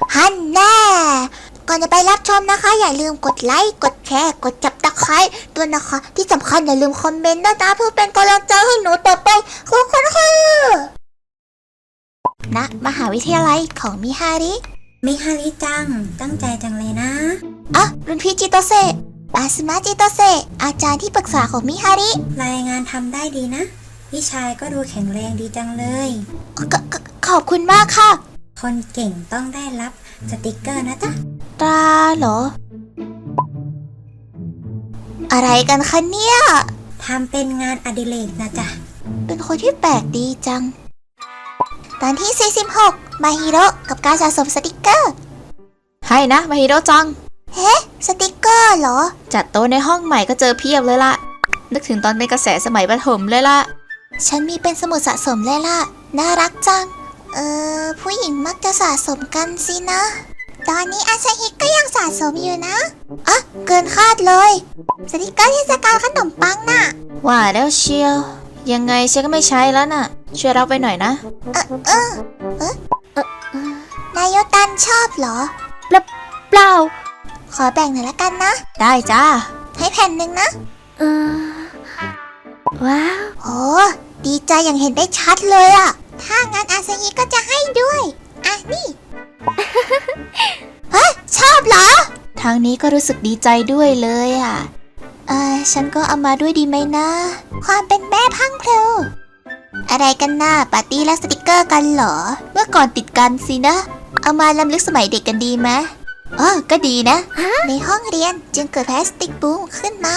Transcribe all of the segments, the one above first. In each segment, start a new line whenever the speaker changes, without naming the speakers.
ฮันแน่ก่อนจะไปรับชมนะคะอย่าลืมกดไลค์กดแชร์กดจับตะไคร้ด้วยนะคะที่สำคัญอย่าลืมคอมเมนต์ด้วยนะเพื่อเป็นกำลังใจให้หนูต่อไปขอบคุณค่ะณมหาวิทยาลัยของมิฮาริ
จังตั้งใจจังเลยนะ
อ่ะรุ่นพี่จิโตเซะอาซึมะจิโตเซะอาจารย์ที่ปรึกษาของมิฮาริ
รายงานทำได้ดีนะพี่ชายก็ดูแข็งแรงดีจังเลย
ขอบคุณมากค่ะ
คนเก่งต้องได้รับสติกเกอร์นะจ๊ะ
ตราเหรออะไรกันคะเนี่ย
ทำเป็นงานอดิเรกนะจ๊ะ
เป็นคนที่แปลกดีจังตอนที่46มาฮิโร่กับการสะสมสติกเกอร์ให้นะมาฮิโร่จังเฮ้สติกเกอร์เหรอจัดโต๊ะในห้องใหม่ก็เจอเพียบเลยล่ะนึกถึงตอนเป็นกระแสสมัยประถมเลยล่ะฉันมีเป็นสมุดสะสมเลยล่ะน่ารักจังผู้หญิงมักจะสะสมกันสินะตอนนี้อาซาฮิก็ยังสะสมอยู่นะอ่ะเกินคาดเลยสติกเกอร์เทศกาลขนมปังน่ะว่าแล้วเชียวยังไงฉันก็ไม่ใช้แล้วน่ะช่วยรับไปหน่อยนะนายโยตันชอบเหรอเปล่าขอแบ่งหน่อยละกันนะได้จ้าให้แผ่นหนึ่งนะว้าวโอ้ดีใจอย่างเห็นได้ชัดเลยอะถ้างั้นอาซาฮิก็จะให้ด้วยอ่ะนี่ เฮ้ยชอบเหรอทางนี้ก็รู้สึกดีใจด้วยเลยอะฉันก็เอามาด้วยดีไหมนะความเป็นแม่พังเพลอะไรกันน่ะปาร์ตี้และสติกเกอร์กันเหรอเมื่อก่อนติดกันสินะเอามาล้ำลึกสมัยเด็กกันดีไหมก็ดีนะในห้องเรียนจึงเกิดพลาสติกบูมขึ้นมา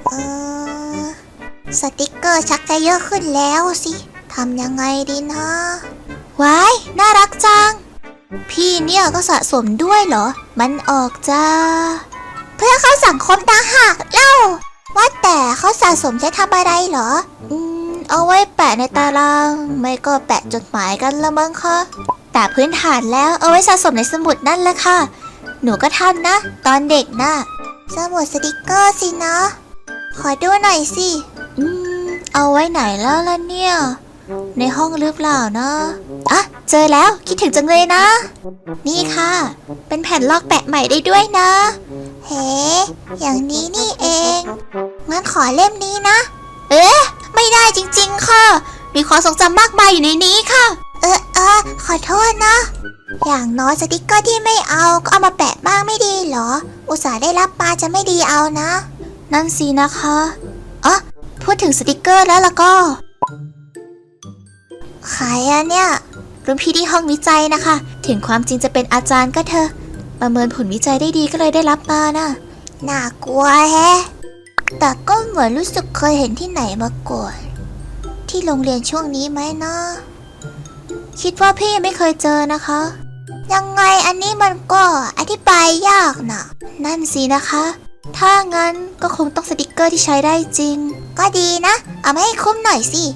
สติกเกอร์ชักจะเยอะขึ้นแล้วสิทำยังไงดีนะว้ายน่ารักจังพี่เนี่ยก็สะสมด้วยเหรอมันออกจ้าเพื่อเข้าสังคมต่างหากเล่าว่าแต่เขาสะสมใช้ทำอะไรเหรอเอาไว้แปะในตารางไม่ก็แปะจดหมายกันละมั้งคะแต่พื้นฐานแล้วเอาไว้สะสมในสมุดนั่นแหละค่ะหนูก็ทำนะตอนเด็กนะสมุดสติกเกอร์สินะขอดูหน่อยสิเอาไว้ไหนแล้วล่ะเนี่ยในห้องหรือเปล่านะอ่ะเจอแล้วคิดถึงจังเลยนะนี่ค่ะเป็นแผ่นลอกแปะใหม่ได้ด้วยนะเฮ้อย่างนี้นี่เองงั้นขอเล่มนี้นะไม่ได้จริงๆค่ะมีความทรงจำมากมายอยู่ในนี้ค่ะขอโทษนะอย่างน้อยสติกเกอร์ที่ไม่เอาก็เอามาแปะบ้างไม่ดีเหรออุตส่าห์ได้รับมาจะไม่ดีเอานะนั่นสินะคะพูดถึงสติกเกอร์แล้วก็ใครอะเนี่ยรุ่นพี่ที่ห้องวิจัยนะคะถึงความจริงจะเป็นอาจารย์ก็เถอะประเมินผลวิจัยได้ดีก็เลยได้รับมานะน่ากลัวแฮะแต่ก็เหมือนรู้สึกเคยเห็นที่ไหนมาก่อนที่โรงเรียนช่วงนี้ไหมนะคิดว่าพี่ไม่เคยเจอนะคะยังไงอันนี้มันก็อธิบายยากนะนั่นสินะคะถ้างั้นก็คงต้องสติกเกอร์ที่ใช้ได้จริงก็ดีนะเอามาให้คุ้มหน่อยสิ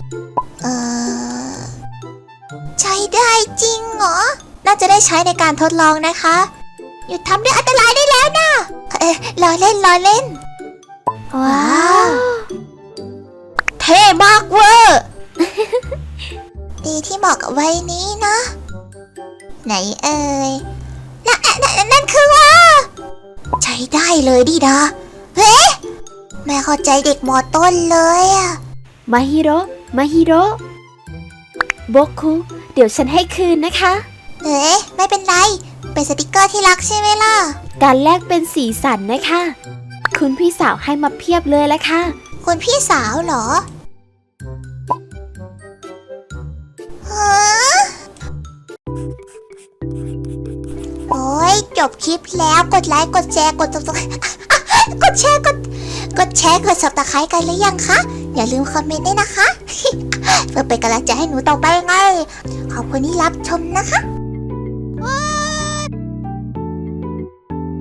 ใช้ได้จริงเหรอน่าจะได้ใช้ในการทดลองนะคะหยุดทำเรื่องอันตรายได้แล้วนะล้อเล่นว้าวเท่มากเวอร์ดีที่เหมาะกับวัยนี้นะไหนนั่นคือว่าใช้ได้เลยดิดาแม่เข้าใจเด็กมอต้นเลยอะ
มาฮิโร่โบคุเดี๋ยวฉันให้คืนนะคะ
ไม่เป็นไรเป็นสติกเกอร์ที่รักใช่ไหมล่ะ
การแลกเป็นสีสันนะคะคุณพี่สาวให้มาเพียบเลยละค่ะ
คุณพี่สาวเหรอโอ้ยจบคลิปแล้วกดไลค์กดแชร์กดแชร์กด Subscribe กันหรือยังคะอย่าลืมคอมเมนต์ด้วยนะคะเพื่อเป็นกำลังใจให้หนูต่อไปไงขอบคุณที่รับชมนะคะ